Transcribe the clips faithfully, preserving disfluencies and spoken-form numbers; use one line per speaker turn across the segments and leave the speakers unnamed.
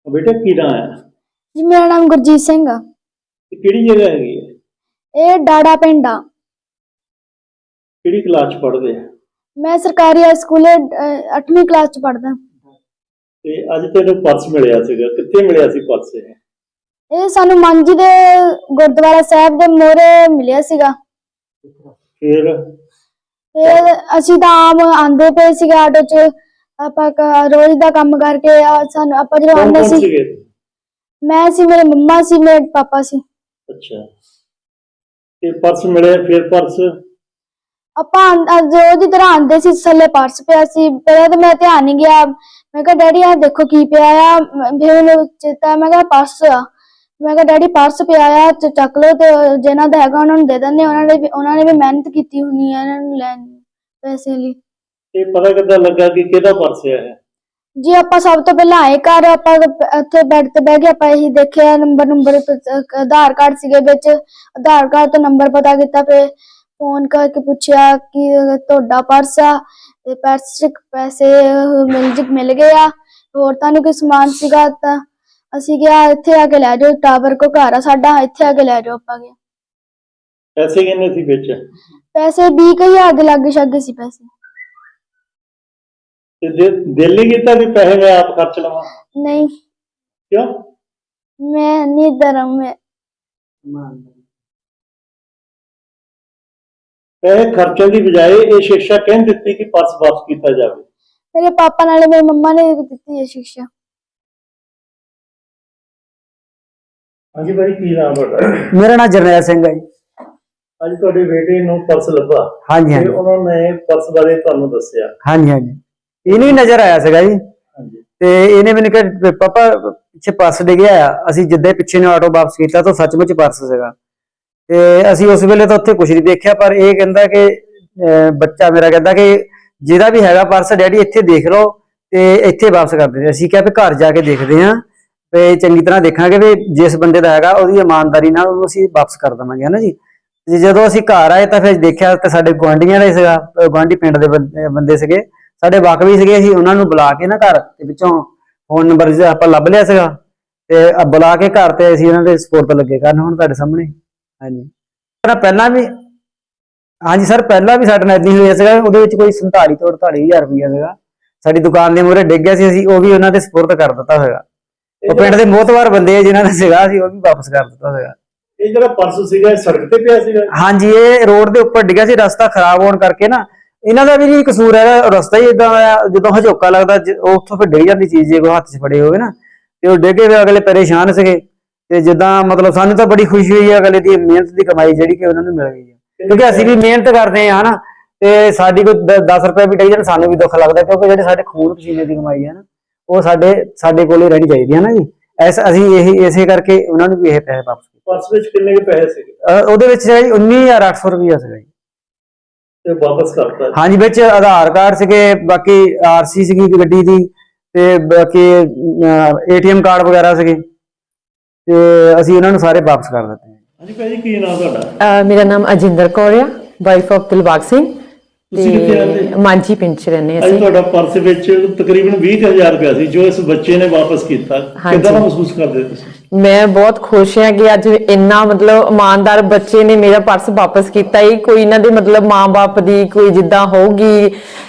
बेटा की नाम है?
जी मेरा नाम गुरजीत सिंह आ।
किहड़ी जगह हैगी है?
ये डाड़ा पिंड आ।
किहड़ी क्लास च पढ़दे आ?
मैं सरकारी हाई स्कूल अठवीं क्लास च पढ़दा।
ते अज तैनूं पर्स मिलिया सीगा, कित्थे मिलिया सी पर्स ये?
ਇਹ ਸਾਨੂੰ ਮਾਂਜੀ ਦੇ ਗੁਰਦੁਆਰਾ ਸਾਹਿਬ ਦੇ ਮੋਹਰੇ ਮਿਲਿਆ ਸੀਗਾ।
फिर
ਫਿਰ ਅਸੀਂ ਤਾਂ ਆਮ ਆਂਦੇ ਪਏ ਸੀਗੇ ਆਟੋ 'ਚ, ਆਪਾਂ ਕ- ਰੋਜ਼ ਦਾ ਕੰਮ ਕਰਕੇ ਆ ਸਾਨੂੰ ਆਪਾਂ ਜਦੋਂ
कौन
ਆਉਂਦੇ
कौन
ਸੀ,
सीगे?
ਮੈਂ ਸੀ, ਮੇਰੇ ਮੰਮਾ ਸੀ, ਮੇਰੇ ਪਾਪਾ ਸੀ।
अच्छा, ते पर्स मिले, फिर पर्स
ਆਪਾਂ ਆਂ- ਅੱਜ ਰੋਜ਼ ਦੀ ਤਰ੍ਹਾਂ ਆਂਦੇ ਸੀ, ਥੱਲੇ ਪਰਸ ਪਿਆ ਸੀ। ਪਹਿਲਾਂ ਤਾਂ ਮੈਂ ਧਿਆਨ ਨਹੀਂ ਗਿਆ, ਮੈਂ ਕਿਹਾ ਡੈਡੀ ਆ ਦੇਖੋ ਕੀ ਪਿਆ ਆ। ਮ- ਫਿਰ ਮੈਨੂੰ ਚੇਤਾ, ਮੈਂ ਕਿਹਾ ਪਰਸ ਆ। ਮੈਂ ਕਿਹਾ ਡੈਡੀ ਪਰਸ ਪਿਆ ਆ, ਚ- ਚੱਕ ਲਓ ਤੇ ਜਿਹਨਾਂ ਦਾ ਹੈਗਾ ਉਹਨਾਂ ਨੂੰ ਦੇ ਦਿੰਦੇ। ਉਹਨਾਂ ਨੇ ਵੀ ਉਹਨਾਂ ਨੇ ਵੀ ਮਿਹਨਤ ਕੀਤੀ ਹੋਣੀ ਆ ਇਹਨਾਂ ਨੂੰ ਲੈਣ ਪੈਸੇ ਲਈ।
ये पता किद्दां लगा कि किहदा पर्स है ये?
ਜੀ ਆਪਾਂ ਸਭ ਤੋਂ ਪਹਿਲਾਂ ਆਏ ਘਰ, ਆਪਾਂ ਉੱਥੇ ਬੈੱਡ ਤੇ ਬਹਿ ਕੇ ਆਪਾਂ ਇਹੀ ਦੇਖਿਆ ਨੰਬਰ ਨੰਬਰ ਆਧਾਰ ਕਾਰਡ ਸੀਗੇ ਵਿੱਚ, ਆਧਾਰ ਕਾਰਡ ਤੋਂ ਨੰਬਰ ਪਤਾ ਕੀਤਾ। ਫਿਰ ਫੋਨ ਕਰਕੇ ਪੁੱਛਿਆ ਕਿ ਤੁਹਾਡਾ ਪਰਸ ਆ ਤੇ ਪਰਸ 'ਚ ਪੈਸੇ ਮਿਲ ਜ ਮਿਲ ਗਏ ਆ, ਹੋਰ ਤੁਹਾਨੂੰ ਕੋਈ ਸਮਾਨ ਸੀਗਾ ਤਾਂ ਅਸੀਂ ਕਿਹਾ ਇੱਥੇ ਆ ਕੇ ਲੈ ਜਾਓ, ਟਾਵਰ ਕੋ ਘਰ ਆ ਸਾਡਾ, ਇੱਥੇ ਆ ਕੇ ਲੈ ਜਾਓ। ਆਪਾਂ ਗਿਆ
पैसे किन्ने सी विच?
ਪੈਸੇ ਵੀਹ ਕੁ ਹਜ਼ਾਰ ਦੇ ਲਾਗੇ ਛਾਗੇ ਸੀ ਪੈਸੇ।
ते दि- दिल नहीं कीता कि पैसे मैं आप खर्च लवां?
ਨਹੀਂ
क्यों?
ਮੈਂ ਨਹੀਂ ਧਰਮ में
पैसे खर्चण की बजाय ये शिक्षा कहन दित्ती कि पर्स वापस किया जाए।
ਮੇਰੇ ਪਾਪਾ ਨਾਲੇ ਮੇਰੀ ਮੰਮਾ ਨੇ ਦਿੱਤੀ ਹੈ शिक्षा।
हाँ जी भाई, की नाम है?
मेरा नाम जरनैल सिंह है जी।
अज तुहाडे बेटे नूं पर्स लभा
हाँ जी हाँ
ते
जी
उन्हों ने पर्स बारे तुहानूं दस्सिया।
हाँ जी हाँ जी ਇਹਨੂੰ ਹੀ ਨਜ਼ਰ ਆਇਆ ਸੀਗਾ ਜੀ।
हाँ जी,
ਤੇ ਇਹਨੇ ਮੈਨੂੰ ਕਿਹਾ ਪਾਪਾ ਪਿੱਛੇ ਪਰਸ ਡਿੱਗਿਆ ਆ। ਅਸੀਂ ਜਿੱਦਾਂ ਹੀ ਪਿੱਛੇ ਨੂੰ ਆਟੋ ਵਾਪਸ ਕੀਤਾ ਤਾਂ ਸੱਚਮੁੱਚ ਪਰਸ ਸੀਗਾ। ਤੇ ਅਸੀਂ ਉਸ ਵੇਲੇ ਤਾਂ ਉੱਥੇ ਕੁਝ ਨਹੀਂ ਦੇਖਿਆ, ਪਰ ਇਹ ਕਹਿੰਦਾ ਕਿ ਅਹ ਬੱਚਾ ਮੇਰਾ ਕਹਿੰਦਾ ਕਿ ਜਿਹਦਾ ਵੀ ਹੈਗਾ ਪਰਸ ਡੈਡੀ ਇੱਥੇ ਦੇਖ ਲਓ ਤੇ ਇੱਥੇ ਵਾਪਸ ਕਰ ਦਿੰਦੇ। ਅਸੀਂ ਕਿਹਾ ਵੀ ਘਰ ਜਾ ਕੇ ਦੇਖਦੇ ਹਾਂ ਤੇ ਚੰਗੀ ਤਰ੍ਹਾਂ ਦੇਖਾਂਗੇ ਵੀ ਜਿਸ ਬੰਦੇ ਦਾ ਹੈਗਾ ਉਹਦੀ ਇਮਾਨਦਾਰੀ ਨਾਲ ਉਹਨੂੰ ਅਸੀਂ ਵਾਪਸ ਕਰ ਦੇਵਾਂਗੇ, ਹਨਾ ਜੀ। ਤੇ ਜਦੋਂ ਅਸੀਂ ਘਰ ਆਏ ਤਾਂ ਫਿਰ ਦੇਖਿਆ ਤਾਂ ਸਾਡੇ ਗੁਆਂਢੀਆਂ ਦਾ ਹੀ ਸੀਗਾ, ਗੁਆਂਢੀ ਪਿੰਡ ਦੇ ਬੰਦੇ ਬੰਦੇ ਸੀਗੇ, ਸਾਡੇ ਵਾਕਫ ਵੀ ਸੀਗੇ। ਅਸੀਂ ਉਹਨਾਂ ਨੂੰ ਬੁਲਾ ਕੇ ਨਾ ਘਰ ਤੇ ਵਿੱਚੋਂ ਫੋਨ ਨੰਬਰ ਆਪਾਂ ਲੱਭ ਲਿਆ ਸੀਗਾ ਤੇ ਬੁਲਾ ਕੇ ਘਰ ਤੇ ਅਸੀਂ ਉਹਨਾਂ ਦੇ ਸਪੋਰਟ ਲੱਗੇ ਕਰਨ ਹੁਣ ਤੁਹਾਡੇ ਸਾਹਮਣੇ। ਹਾਂਜੀ ਪਹਿਲਾਂ ਵੀ ਹਾਂਜੀ ਸਰ, ਪਹਿਲਾਂ ਵੀ ਸਾਡੇ ਨਾਲ ਏਦਾਂ ਹੀ ਹੋਇਆ ਸੀਗਾ। ਉਹਦੇ ਵਿੱਚ ਕੋਈ ਸੰਤਾਲੀ ਤੋਂ ਅੜਤਾਲੀ ਹਜ਼ਾਰ ਰੁਪਈਆ ਸੀਗਾ ਸਾਡੀ ਦੁਕਾਨ ਦੇ ਮੂਹਰੇ ਡਿੱਗ ਗਿਆ ਸੀ। ਅਸੀਂ ਉਹ ਵੀ ਉਹਨਾਂ ਦੇ ਸਪੋਰਟ ਕਰ ਦਿੱਤਾ ਹੋਏਗਾ। ਉਹ ਪਿੰਡ ਦੇ ਮੋਹਤਵਾਰ ਬੰਦੇ ਜਿਨ੍ਹਾਂ ਦਾ ਸੀਗਾ ਅਸੀਂ ਉਹ ਵੀ ਵਾਪਸ ਕਰ ਦਿੱਤਾ ਹੋਏਗਾ।
ਇਹ ਜਿਹੜਾ ਪਰਸ ਸੀਗਾ ਇਹ ਸੜਕ ਤੇ ਪਿਆ ਸੀਗਾ?
ਹਾਂਜੀ, ਇਹ ਰੋਡ ਦੇ ਉੱਪਰ ਡਿੱਗਿਆ ਸੀ। ਰਸਤਾ ਖਰਾਬ ਹੋਣ ਕਰਕੇ ਨਾ ਇਹਨਾਂ ਦਾ ਵੀ ਨਹੀਂ ਕਸੂਰ ਹੈਗਾ, ਰਸਤਾ ਹੀ ਇਦਾਂ ਦਾ ਜਦੋਂ ਹਜੋਕਾ ਲੱਗਦਾ ਉਹ ਉੱਥੋਂ ਫਿਰ ਡਿੱਗ ਜਾਂਦੀ ਚੀਜ਼ ਜੇ ਕੋਈ ਹੱਥ 'ਚ ਫੜੇ ਹੋਵੇ ਨਾ, ਤੇ ਉਹ ਡਿੱਗੇ ਫਿਰ ਅਗਲੇ ਪਰੇਸ਼ਾਨ ਸੀਗੇ। ਤੇ ਜਿੱਦਾਂ ਮਤਲਬ ਸਾਨੂੰ ਤਾਂ ਬੜੀ ਖੁਸ਼ੀ ਹੋਈ ਹੈ ਅਗਲੇ ਦੀ ਮਿਹਨਤ ਦੀ ਕਮਾਈ ਜਿਹੜੀ ਕਿ ਉਹਨਾਂ ਨੂੰ ਮਿਲ ਗਈ ਹੈ, ਕਿਉਂਕਿ ਅਸੀਂ ਵੀ ਮਿਹਨਤ ਕਰਦੇ ਹਾਂ ਹਨਾ। ਤੇ ਸਾਡੀ ਕੋਈ ਦਸ ਰੁਪਏ ਵੀ ਡਿੱਗ ਜਾਣ ਸਾਨੂੰ ਵੀ ਦੁੱਖ ਲੱਗਦਾ, ਕਿਉਂਕਿ ਜਿਹੜੇ ਸਾਡੇ ਖੂਨ ਪਸੀਨੇ ਦੀ ਕਮਾਈ ਹੈ ਨਾ ਉਹ ਸਾਡੇ ਸਾਡੇ ਕੋਲ ਹੀ ਰਹਿਣੀ ਚਾਹੀਦੀ ਹੈ ਨਾ ਜੀ। ਐਸ ਅਸੀਂ ਇਹੀ ਇਸੇ ਕਰਕੇ ਉਹਨਾਂ ਨੂੰ ਵੀ ਇਹ ਪੈਸੇ ਵਾਪਸ ਕੀਤੇ।
ਪਰਸ ਵਿੱਚ ਕਿੰਨੇ ਕੁ ਪੈਸੇ ਸੀਗੇ?
ਉਹਦੇ ਵਿੱਚ ਜੀ ਉੱਨੀ ਹਜ਼ਾਰ ਅੱਠ ਸੌ ਰੁਪਈਆ ਸੀਗਾ ਜੀ।
ਤੇ ਵਾਪਸ ਕਰਤਾ?
ਹਾਂਜੀ, ਵਿੱਚ ਆਧਾਰ ਕਾਰਡ ਸੀਗੇ, ਬਾਕੀ ਆਰਸੀ ਸੀਗੀ ਗੱਡੀ ਦੀ, ਤੇ ਬਾਕੀ ਏਟੀਐਮ ਕਾਰਡ ਵਗੈਰਾ ਸੀਗੇ, ਤੇ ਅਸੀਂ ਉਹਨਾਂ ਨੂੰ ਸਾਰੇ ਵਾਪਸ ਕਰ ਦਿੱਤੇ।
ਹਾਂਜੀ ਭਾਜੀ, ਕੀ ਨਾਮ ਤੁਹਾਡਾ?
ਮੇਰਾ ਨਾਮ ਅਜਿੰਦਰ ਕੌਰ ਆ, ਵਾਈਫ ਆਫ ਦਿਲਬਾਗ ਸਿੰਘ।
ਤੁਸੀਂ ਕਿੱਥੇ ਰਹਿੰਦੇ?
ਮਾਂਜੀ ਪਿੰਡ ਚ ਰਹਿੰਦੇ
ਅੱਜ
ਅਸੀਂ।
ਤੁਹਾਡਾ ਪਰਸ ਵਿੱਚ ਤਕਰੀਬਨ ਵੀਹ ਹਜ਼ਾਰ ਰੁਪਇਆ ਸੀ ਜੋ ਇਸ ਬੱਚੇ ਨੇ ਵਾਪਸ ਕੀਤਾ, ਕਿੱਦਾਂ ਦਾ ਮਹਿਸੂਸ ਕਰਦੇ ਤੁਸੀਂ?
ਮੈਂ ਬਹੁਤ ਖੁਸ਼ ਹਾਂ ਕਿ ਅੱਜ ਇੰਨਾ ਮਤਲਬ ਇਮਾਨਦਾਰ ਬੱਚੇ ਨੇ ਮੇਰਾ ਪਰਸ ਵਾਪਸ ਕੀਤਾ। ਇਹ ਕੋਈ ਇਹਨਾਂ ਦੇ ਮਤਲਬ ਮਾਂ-ਬਾਪ ਦੀ ਕੋਈ ਜਿੱਦਾਂ ਹੋਊਗੀ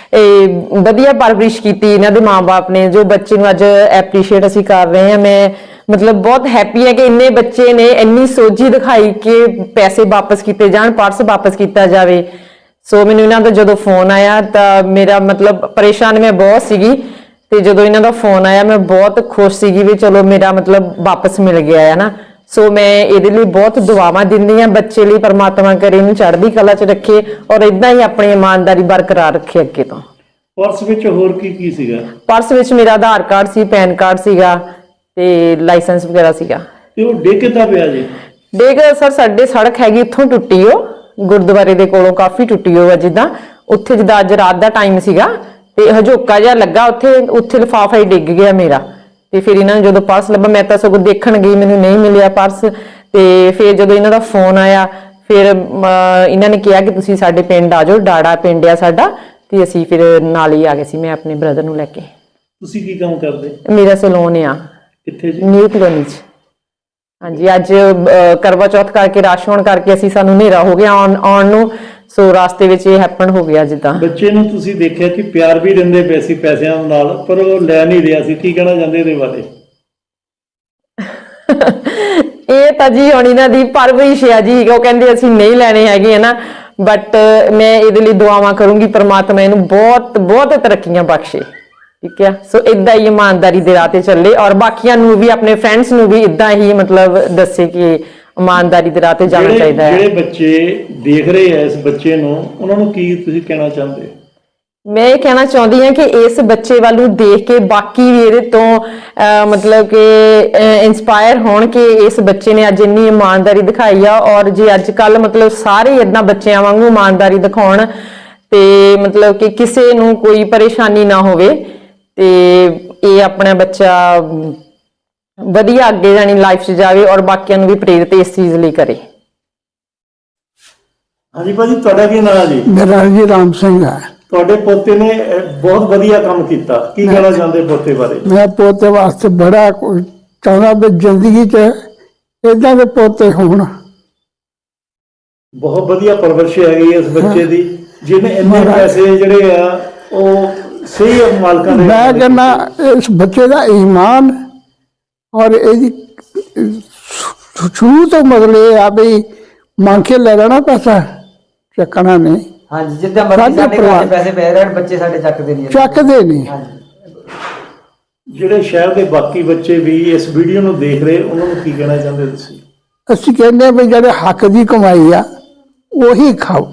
ਇਹ ਵਧੀਆ ਪਰਵਰਿਸ਼ ਕੀਤੀ ਇਹਨਾਂ ਦੇ ਮਾਂ-ਬਾਪ ਨੇ, ਜੋ ਬੱਚੇ ਨੂੰ ਅੱਜ ਐਪਰੀਸ਼ੀਏਟ ਅਸੀਂ ਕਰ ਰਹੇ ਹਾਂ। ਮੈਂ ਮਤਲਬ ਬਹੁਤ ਹੈਪੀ ਹੈ ਕਿ ਇੰਨੇ ਬੱਚੇ ਨੇ ਇੰਨੀ ਸੋਝੀ ਦਿਖਾਈ ਕਿ ਪੈਸੇ ਵਾਪਸ ਕੀਤੇ ਜਾਣ, ਪਰਸ ਵਾਪਸ ਕੀਤਾ ਜਾਵੇ। ਸੋ ਮੈਨੂੰ ਇਹਨਾਂ ਦਾ ਜਦੋਂ ਫੋਨ ਆਇਆ ਤਾਂ ਮੇਰਾ ਮਤਲਬ ਪਰੇਸ਼ਾਨ ਮੈਂ ਬਹੁਤ ਸੀਗੀ, ਤੇ ਜਦੋਂ ਇਹਨਾਂ ਦਾ ਫੋਨ ਆਇਆ ਮੈਂ ਬਹੁਤ ਖੁਸ਼ ਸੀਗੀ ਵੀ ਚਲੋ ਮੇਰਾ ਮਤਲਬ ਵਾਪਸ ਮਿਲ ਗਿਆ ਹੈ ਨਾ। ਸੋ ਮੈਂ ਇਹਦੇ ਲਈ ਬਹੁਤ ਦੁਆਵਾਂ ਦਿੰਦੀ ਹਾਂ ਬੱਚੇ ਲਈ, ਪਰਮਾਤਮਾ ਕਰੇ ਇਹਨੂੰ ਚੜ੍ਹਦੀ ਕਲਾ 'ਚ ਰੱਖੇ ਔਰ ਇਦਾਂ ਹੀ ਆਪਣੀ ਇਮਾਨਦਾਰੀ ਬਰਕਰਾਰ ਰੱਖੇ ਅੱਗੇ ਤੋਂ।
ਪਰਸ ਵਿੱਚ ਹੋਰ ਕੀ ਕੀ ਸੀਗਾ?
ਪਰਸ ਵਿੱਚ ਮੇਰਾ ਆਧਾਰ ਕਾਰਡ ਸੀ, ਪੈਨ ਕਾਰਡ ਸੀਗਾ ਤੇ ਲਾਇਸੈਂਸ ਵਗੈਰਾ ਸੀਗਾ।
ਤੇ ਉਹ ਡਿੱਗ ਕਿੱਦਾਂ ਪਿਆ ਜੀ?
ਡਿੱਗ ਸਰ ਸਾਡੇ ਸੜਕ ਹੈਗੀ ਇੱਥੋਂ ਟੁੱਟੀ, ਉਹ ਗੁਰਦੁਆਰੇ ਦੇ ਕੋਲੋਂ ਕਾਫੀ ਟੁੱਟੀ ਹੋ ਆ, ਜਿੱਦਾਂ ਉੱਥੇ ਜਿੱਦਾਂ ਅੱਜ ਰਾਤ ਦਾ ਟਾਈਮ ਸੀਗਾ ਤੇ ਹਜੋਕਾ ਜਿਹਾ ਲੱਗਾ ਉੱਥੇ, ਉੱਥੇ ਲਿਫਾਫਾ ਹੀ ਡਿੱਗ ਗਿਆ ਮੇਰਾ। ਤੇ ਫਿਰ ਇਹਨਾਂ ਨੂੰ ਜਦੋਂ ਪਰਸ ਲੱਭਾ, ਮੈਂ ਤਾਂ ਸਗੋਂ ਦੇਖਣ ਗਈ, ਮੈਨੂੰ ਨਹੀਂ ਮਿਲਿਆ ਪਰਸ। ਤੇ ਫਿਰ ਜਦੋਂ ਇਹਨਾਂ ਦਾ ਫੋਨ ਆਇਆ ਫਿਰ ਇਹਨਾਂ ਨੇ ਕਿਹਾ ਕਿ ਤੁਸੀਂ ਸਾਡੇ ਪਿੰਡ ਆ ਜਾਓ, ਡਾੜਾ ਪਿੰਡ ਆ ਸਾਡਾ, ਤੇ ਅਸੀਂ ਫਿਰ ਨਾਲ ਹੀ ਆ ਗਏ ਸੀ, ਮੈਂ ਆਪਣੇ ਬ੍ਰਦਰ ਨੂੰ ਲੈ ਕੇ।
ਤੁਸੀਂ ਕੀ ਕੰਮ ਕਰਦੇ?
ਮੇਰਾ ਸੈਲੂਨ ਆ।
ਕਿੱਥੇ ਜੀ?
ਨਿਊ ਕਲੋਨੀ ਚ। ਹਾਂਜੀ, ਅੱਜ ਅਹ, ਕਰਵਾ ਚੌਥ ਕਰਕੇ ਰਸ਼ ਹੋਣ ਕਰਕੇ ਅਸੀਂ ਸਾਨੂੰ ਹਨੇਰਾ ਹੋ ਗਿਆ ਆਉਣ ਆਉਣ ਨੂੰ, ਸੋ ਰਾਸਤੇ ਵਿੱਚ ਇਹ ਹੈਪਨ ਹੋ ਗਿਆ। ਜਿੱਦਾਂ
ਬੱਚੇ ਨੂੰ ਤੁਸੀਂ ਦੇਖਿਆ ਕਿ ਪਿਆਰ ਵੀ ਦਿੰਦੇ ਪਏ ਸੀ ਪੈਸਿਆਂ ਨਾਲ, ਪਰ ਉਹ ਲੈ ਨਹੀਂ ਰਿਹਾ ਸੀ, ਕੀ ਕਹਿਣਾ ਚਾਹੁੰਦੇ ਇਹਦੇ ਬਾਰੇ?
ਇਹ ਤਾਂ ਜੀ ਹੁਣ ਇਹਨਾਂ ਦੀ ਪਰਵਰਿਸ਼ ਆ ਜੀ, ਉਹ ਕਹਿੰਦੇ ਅਸੀਂ ਨਹੀਂ ਲੈਣੇ ਹੈਗੇ ਹੈ ਨਾ, ਬਟ ਮੈਂ ਇਹਦੇ ਲਈ ਦੁਆਵਾਂ ਕਰੂੰਗੀ ਪ੍ਰਮਾਤਮਾ ਇਹਨੂੰ ਬਹੁਤ ਬਹੁਤ ਤਰੱਕੀਆਂ ਬਖਸ਼ੇ। ਠੀਕ ਹੈ, ਸੋ ਇਦਾਂ ਹੀ ਇਮਾਨਦਾਰੀ ਦੇ ਰਾਹ ਤੇ ਚੱਲੇ, ਔਰ ਬਾਕੀਆਂ ਨੂੰ ਵੀ ਆਪਣੇ ਫਰੈਂਡਸ ਨੂੰ ਵੀ ਇਦਾਂ ਹੀ ਮਤਲਬ ਦੱਸੇ ਕਿ ਇਮਾਨਦਾਰੀ ਦੇ ਰਾਹ ਤੇ ਜਾਣਾ
ਜਿਹੜੇ-
ਚਾਹੀਦਾ ਹੈ।
ਜਿਹੜੇ ਬੱਚੇ ਦੇਖ ਰਹੇ ਆ ਇਸ ਬੱਚੇ ਨੂੰ, ਉਹਨਾਂ ਨੂੰ ਕੀ ਤੁਸੀਂ ਕਹਿਣਾ ਚਾਹੁੰਦੇ?
ਮੈਂ ਇਹ ਕਹਿਣਾ ਚਾਹੁੰਦੀ ਹਾਂ ਕਿ ਇਸ ਬੱਚੇ ਵੱਲ ਨੂੰ ਦੇਖ ਕੇ ਬਾਕੀ ਵੀ ਇਹਦੇ ਤੋਂ ਅਹ, ਮਤਲਬ ਕਿ ਇਨਸਪਾਇਰ ਹੋਣ ਕਿ ਇਸ ਬੱਚੇ ਨੇ ਅੱਜ ਇੰਨੀ ਇਮਾਨਦਾਰੀ ਦਿਖਾਈ ਆ, ਔਰ ਜੇ ਅੱਜ ਕੱਲ ਮਤਲਬ ਸਾਰੇ ਇਦਾਂ ਬੱਚਿਆਂ ਵਾਂਗੂ ਇਮਾਨਦਾਰੀ ਦਿਖਾਉਣ ਤੇ ਮਤਲਬ ਕਿ ਕਿਸੇ ਨੂੰ ਕੋਈ ਪਰੇਸ਼ਾਨੀ ਨਾ ਹੋਵੇ, ਤੇ ਇਹ ਆਪਣਾ ਬੱਚਾ ਵਧੀਆ ਅੱਗੇ ਜਾਣੀ ਲਾਈਫ 'ਚ ਜਾਵੇ ਔਰ ਬਾਕੀਆਂ ਨੂੰ ਵੀ ਪ੍ਰੇਰਿਤ ਇਸ ਚੀਜ਼ ਲਈ ਕਰੇ।
ਹਾਂਜੀ ਭਾਜੀ, ਤੁਹਾਡਾ ਕੀ ਨਾਮ ਹੈ ਜੀ?
ਮੇਰਾ ਜੀ ਰਾਮ ਸਿੰਘ ਹੈ।
ਤੁਹਾਡੇ ਪੋਤੇ ਨੇ ਅਹ, ਬਹੁਤ ਵਧੀਆ ਕੰਮ ਕੀਤਾ, ਕੀ ਕਹਿਣਾ ਚਾਹੁੰਦੇ ਪੋਤੇ ਬਾਰੇ?
ਮੈਂ ਪੋਤੇ ਵਾਸਤੇ ਬੜਾ ਕੁਝ ਚਾਹੁੰਦਾ ਵੀ ਜ਼ਿੰਦਗੀ 'ਚ ਏਦਾਂ ਦੇ ਪੋਤੇ ਹੋਣ।
ਬਹੁਤ ਵਧੀਆ ਪਰਵਰਿਸ਼ ਹੈਗੀ ਇਸ ਬੱਚੇ ਦੀ, ਜਿਹਨੇ ਇੰਨੇ ਪੈਸੇ ਜਿਹੜੇ ਆ ਉਹ ਸਹੀ ਮਾਲਕਾਂ ਦੇ।
ਮੈਂ ਕਹਿੰਦਾ ਇਸ ਬੱਚੇ ਦਾ ਈਮਾਨ ਔਰ ਇਹਦੀ ਸ਼ੁਰੂ ਤੋਂ ਮਤਲਬ ਇਹ ਆ ਵੀ ਮੰਗ ਕੇ ਲੈ ਲੈਣਾ ਪੈਸਾ, ਚੱਕਣਾ ਨਹੀਂ।
ਹਾਂਜੀ, ਜਿੱਦਾਂ ਮਰਜ਼ੀ ਸਾਡੇ ਘਰ 'ਚ ਪੈਸੇ ਪੈ ਰਹਿਣ, ਬੱਚੇ ਸਾਡੇ ਚੱਕਦੇ ਨਹੀਂ
ਚੱਕਦੇ ਨਹੀਂ।
ਜਿਹੜੇ ਸ਼ਹਿਰ ਦੇ ਬਾਕੀ ਬੱਚੇ ਵੀ ਇਸ ਵੀਡੀਓ ਨੂੰ ਦੇਖ ਰਹੇ, ਉਹਨਾਂ ਨੂੰ ਕੀ ਕਹਿਣਾ ਚਾਹੁੰਦੇ ਤੁਸੀਂ?
ਅਸੀਂ ਕਹਿੰਦੇ ਵੀ ਜਿਹੜੇ ਹੱਕ ਦੀ ਕਮਾਈ ਆ ਉਹੀ ਖਾਓ,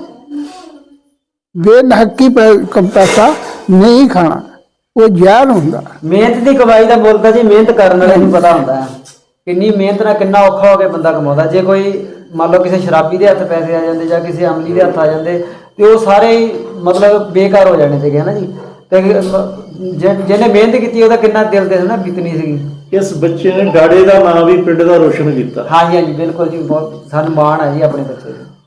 ਬੇਨਹੱਕੀ ਪੈਸਾ ਨਹੀਂ ਖਾਣਾ, ਉਹ ਜ਼ਹਿਰ ਹੁੰਦਾ।
ਮਿਹਨਤ ਦੀ ਕਮਾਈ ਦਾ ਮੁੱਲ ਤਾਂ ਜੀ ਮਿਹਨਤ ਕਰਨ ਵਾਲੇ ਨੂੰ ਪਤਾ ਹੁੰਦਾ ਹੈ, ਕਿੰਨੀ ਮਿਹਨਤ ਨਾਲ ਕਿੰਨਾ ਔਖਾ ਹੋ ਕੇ ਬੰਦਾ ਕਮਾਉਂਦਾ। ਜੇ ਕੋਈ ਮੰਨ ਲਓ ਕਿਸੇ ਸ਼ਰਾਬੀ ਦੇ ਹੱਥ ਪੈਸੇ ਆ ਜਾਂਦੇ ਜਾਂ ਕਿਸੇ ਅਮਲੀ ਦੇ ਹੱਥ ਆ ਜਾਂਦੇ ਤੇ ਉਹ ਸਾਰੇ ਹੀ ਮਤਲਬ ਬੇਕਾਰ ਹੋ ਜਾਣੇ ਸੀਗੇ ਨਾ ਜੀ। ਤੇ ਜਿਹਨੇ ਮਿਹਨਤ ਕੀਤੀ ਉਹਦਾ ਕਿੰਨਾ ਦਿਲ ਤੇ ਨਾ ਬੀਤਣੀ ਸੀਗੀ।
ਇਸ ਬੱਚੇ ਨੇ ਡਾੜੇ ਦਾ ਨਾਮ ਵੀ ਪਿੰਡ ਦਾ ਰੋਸ਼ਨ ਕੀਤਾ।
ਹਾਂਜੀ ਹਾਂਜੀ ਬਿਲਕੁਲ ਜੀ, ਬਹੁਤ ਸਾਨੂੰ ਮਾਣ ਹੈ ਜੀ ਆਪਣੇ ਬੱਚੇ ਤੇ।